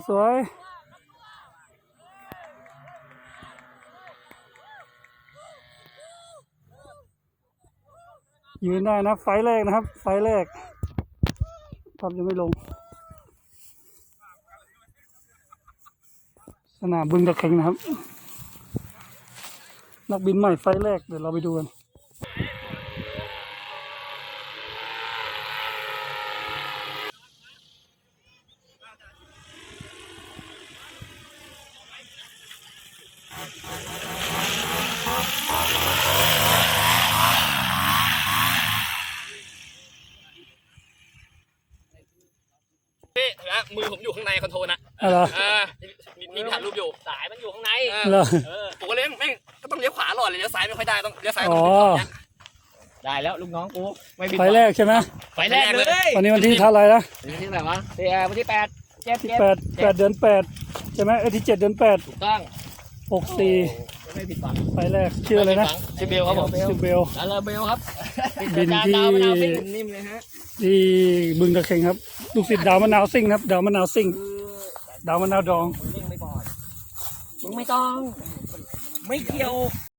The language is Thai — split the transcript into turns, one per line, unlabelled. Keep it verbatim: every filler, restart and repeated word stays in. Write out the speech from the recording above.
สวยยืนได้นะไฟแรกนะครับไฟแรกครับยังไม่ลงสนามบึงตะเข็งนะครับนักบินใหม่ไฟแรกเดี๋ยวเราไปดูกัน
พี่นะมือผมอยู่ข้างในคอนโทรลนะ
อะไร
เออมีมีถ่ายรูปอยู่สายมันอยู่ข้างใน
เหรอ
เออผมก็เลี้ยงแม่งก็ต้องเลี้ยวขวาหลอดเลยเลี้ยวซ้ายไม่ค่อยได้ต้องเลี้ยวซ้าย
อ๋
ต้
อ
องเป็นแบบเนี้ย
ได้แล้วลูกน้องกูไม่ผิด
ไฟแรกใช่ไหม
ไฟแรกเลย
วันนี้วันที่เท่าไหร่นะ
วันที่ไหนวะที่วันที่แปดเจ็ด
ที่
เจ็ด
แปดแปดเดือนแปดใช่ไหมเอ้ยที่เจ็ดเดือนแปด
ถูกต้อง
หกสี่
ไม่ผิดหวัง
ไฟแรกชื่ออะไรนะ
ชื่อเบลครับผม
ชื่อเบล
แล้วเราเบลครับ
บินที่
ดาวมะนาวเป็นนิ่มเลยฮะ
ที่บึงตะเข็งครับลูกศิษย์ดาวมะนาวซิ่งนะครับดาวมะนาวซิ่งดาวมะนาวดอง
มึงนิ่งไม่ก่อนมึงไม่ต้องไม่เกี่ยว